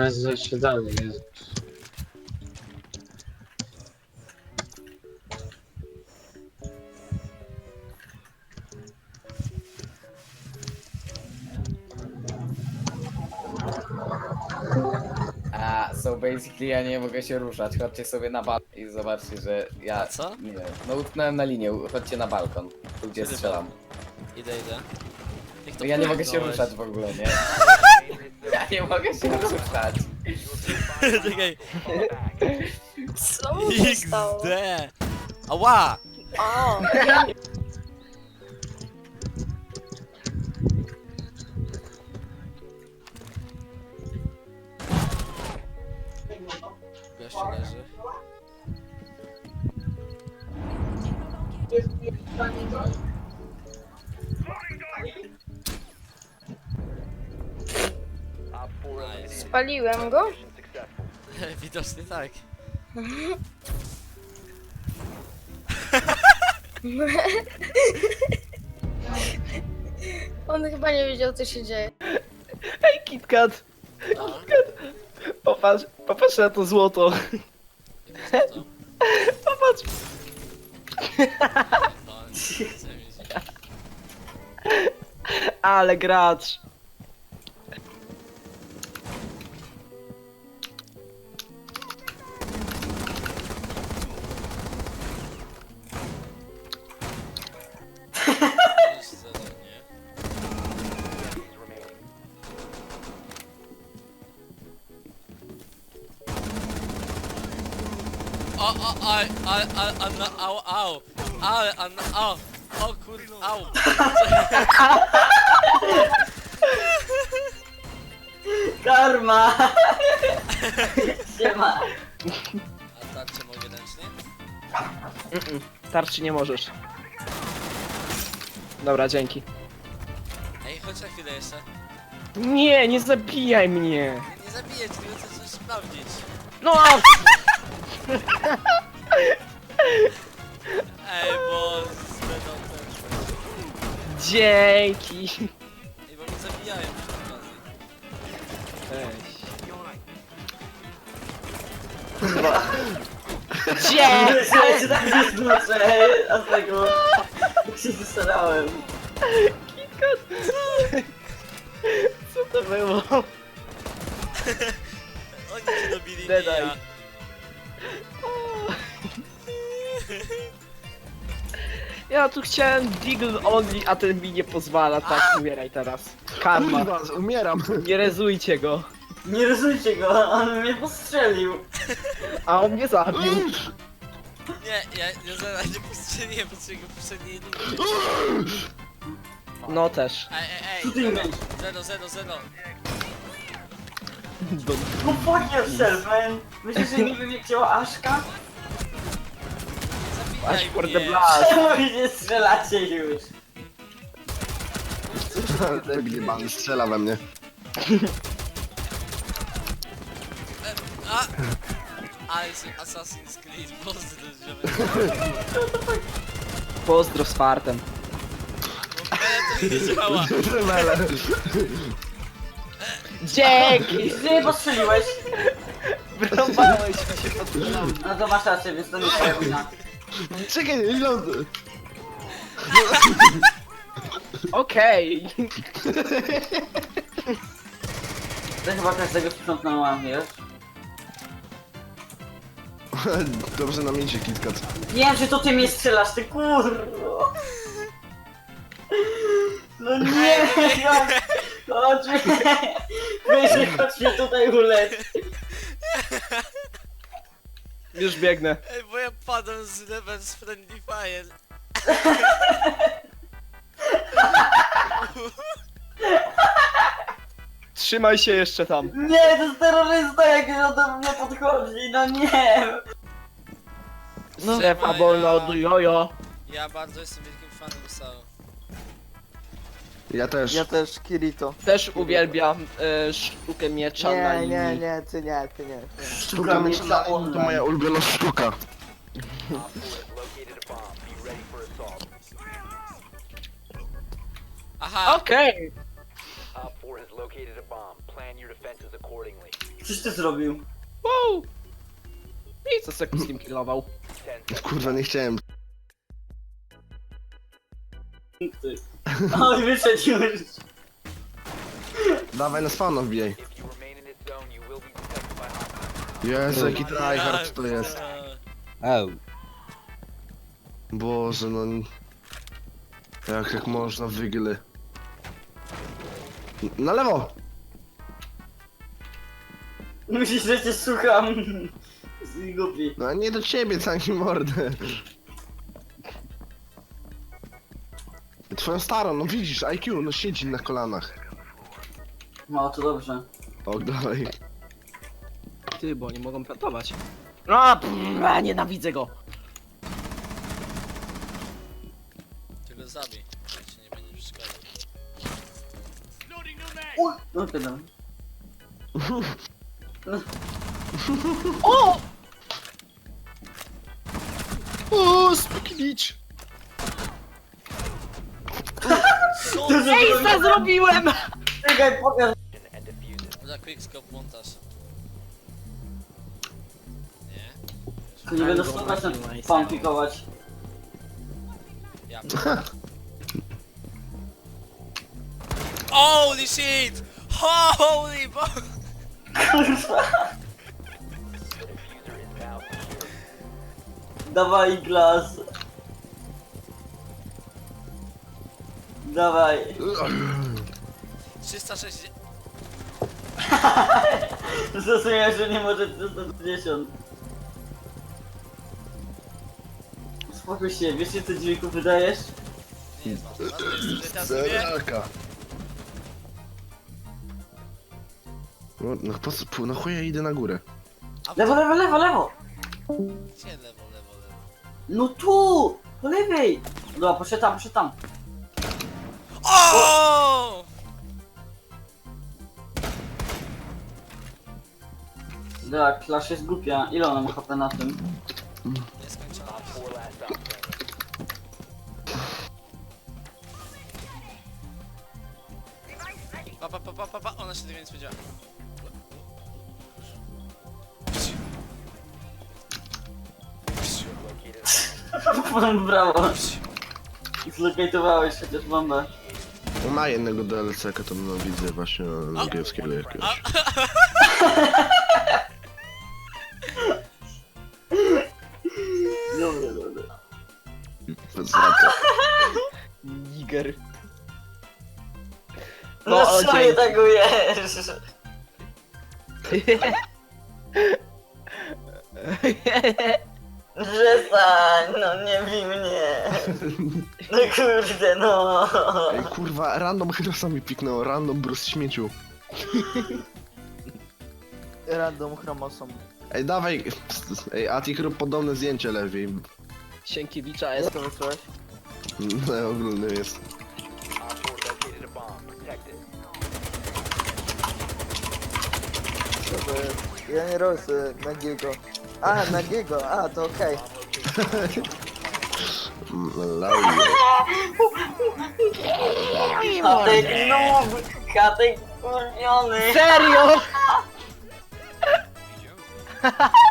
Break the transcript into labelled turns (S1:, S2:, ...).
S1: jest zejście dalej, Jezus.
S2: So basically ja nie mogę się ruszać. Chodźcie sobie na balkon i zobaczcie, że ja...
S3: Co?
S2: Nie wiem. No utknąłem na linię, chodźcie na balkon. Tu gdzie
S3: Kiedy
S2: strzelam.
S3: Idę. Jak to
S2: No ja nie mogę się
S3: pchnąłeś?
S2: ruszać w ogóle, nie? Ja nie mogę się ruszać.
S3: Czekaj.
S4: Co mu się stało?
S3: XD. Ała!
S4: O,
S3: Gościu leży. Nice.
S4: spaliłem go?
S3: Widocznie tak.
S4: On chyba nie wiedział, co się dzieje.
S5: Ej, KitKat! Popatrz na to złoto.
S3: To.
S5: Popatrz.
S3: No, nie chcę mieć.
S5: Ale gracz.
S3: Już zero, nie? Au, o kurde, au.
S6: Karma! Siema!
S3: A tarczę mogę ręcznie?
S5: Tarczy nie możesz. Dobra, dzięki.
S3: Ej, chodź na chwilę jeszcze.
S5: Nie, nie zabijaj mnie.
S3: Nie zabiję cię, tylko chcę coś sprawdzić.
S5: No!
S3: Ej, bo będą ten...
S5: Dzięki.
S3: Ej, bo mnie zabijają przy okazji.
S5: Weź. Dzięki.
S6: Myślałem, że tak nie znoszę, a z tego się zastarałem.
S5: Co to było?
S3: Oni cię dobili, nie
S5: Dedaj.
S3: ja.
S5: Ja tu chciałem Deagle Only, a ten mi nie pozwala, tak, umieraj teraz. Karma.
S7: Kurwa, umieram.
S5: Nie rezujcie go.
S6: Nie rozumcie go, on mnie postrzelił.
S5: A on mnie zabił.
S3: Nie, ja zaraz nie postrzeliłem po swojego poprzedniej linii.
S5: No też.
S6: Co ty
S3: Zero,
S6: myślisz?
S3: zero.
S6: Go fuck yourself, man! Myślisz, że niby mnie wzięła Aszka?
S5: Aż
S3: Zabijaj
S5: for the
S3: mnie.
S5: blast.
S6: Czemu mi nie strzelacie już?
S7: To gniebany strzela we mnie.
S3: A! Assassin's Creed, pozdro,
S5: Pozdro z fartem.
S3: to nie działa.
S7: Tremele.
S5: Dzięki!
S6: Ty mnie postrzeliłeś?
S5: Wyrąbałeś mi się pod nogi.
S6: No to masz rację, więc to nie twoja wina.
S7: Czekaj, ląd.
S5: Okej.
S6: To chyba każdego sprzątnęłam, wiesz?
S7: Dobrze nam idzie, KitKat.
S6: Wiem, że to ty mnie strzelasz, ty kurwa! No nie! Chodź mnie! Wyżej, chodź mnie tutaj ulec!
S5: Już biegnę.
S3: Ej, bo ja padam z level z Friendly Fire.
S5: Trzymaj się jeszcze tam.
S6: Nie, to jest terrorysta, jak on do mnie podchodzi, no nie!
S5: Strefa wolna od jojo.
S3: Ja bardzo jestem wielkim fanem Sao.
S7: Ja też.
S8: Ja też Kirito.
S5: Też uwielbiam sztukę miecza na
S8: Nie,
S5: linii.
S8: nie, nie, ty nie, ty nie.
S7: Sztuka miecza to moja ulubiona sztuka.
S3: Aha!
S5: Okej.
S6: Coś ty zrobił?
S5: Wow! I co Seku z nim killował?
S7: Kurwa, nie chciałem.
S6: Ty. Oj, wyszedł już.
S7: Dawaj na spawna wbijaj. Jezu, jaki tryhard to jest. Boże, no... Jak można wygly. Na lewo!
S6: Myślisz, że cię słucham. Z głupi.
S7: No nie do ciebie, całki mordę. Twoją starą, no widzisz, IQ, no siedzi na kolanach.
S6: No, to dobrze.
S7: O, dawaj.
S5: Ty, bo oni mogą plantować. A, nienawidzę go!
S3: Ty go zabij, jak ci nie będzie przeszkadzał.
S6: No, pytam.
S5: O! O, spiklicz!
S3: Co?
S5: Ejsa zrobiłem!
S6: Czekaj, pokaż.
S3: Za quickscope montaż. Nie?
S6: Tu nie będę słuchać na pan pikować.
S3: Ja. Holy shit! Holy bo...
S6: Dawaj glas. Dawaj.
S3: 360...
S6: Zrozumiałem, że nie może 360. Spokój się, wiesz co dźwięku wydajesz?
S3: Nie jest ważne, ważne jest, że teraz sobie...
S7: Zeraka. No po co, no chuj ja idę na górę.
S3: A
S6: Lewo, lewo, lewo, lewo!
S3: Gdzie lewo, lewo, lewo?
S6: No tu! Po lewej! Dobra, poszedł tam, poszedł tam.
S3: O!
S6: Dobra, Clash jest głupia. Ile ona ma HP na tym?
S3: Nieskończona. Pa, ona się tego nie spodziewa.
S6: Brawo. Zlokajtowałeś chociaż bombę.
S7: Ma jednego DLC-ka, to no widzę właśnie angielskiego jakiegoś.
S6: Dobra, dobra.
S7: Za to.
S5: Niger.
S6: No
S5: o,
S6: co mnie
S5: dzięki.
S6: tagujesz? Przestań, no nie bij mnie. No kurde, no.
S7: Ej kurwa, random Herosa mi piknęło, random Bruce śmieciu.
S8: Random chromosom.
S7: Ej dawaj, ej Atik rób podobne zdjęcie lepiej.
S5: Sienkiewicza
S8: Jak
S5: jest.
S8: to wysłałeś?
S7: No ogólny jest.
S8: Co to jest? Ja nie robię sobie nagiego. A, nagiego, a to okej.
S7: Lauje.
S6: Katek noob, katek kurwiony.
S5: Serio?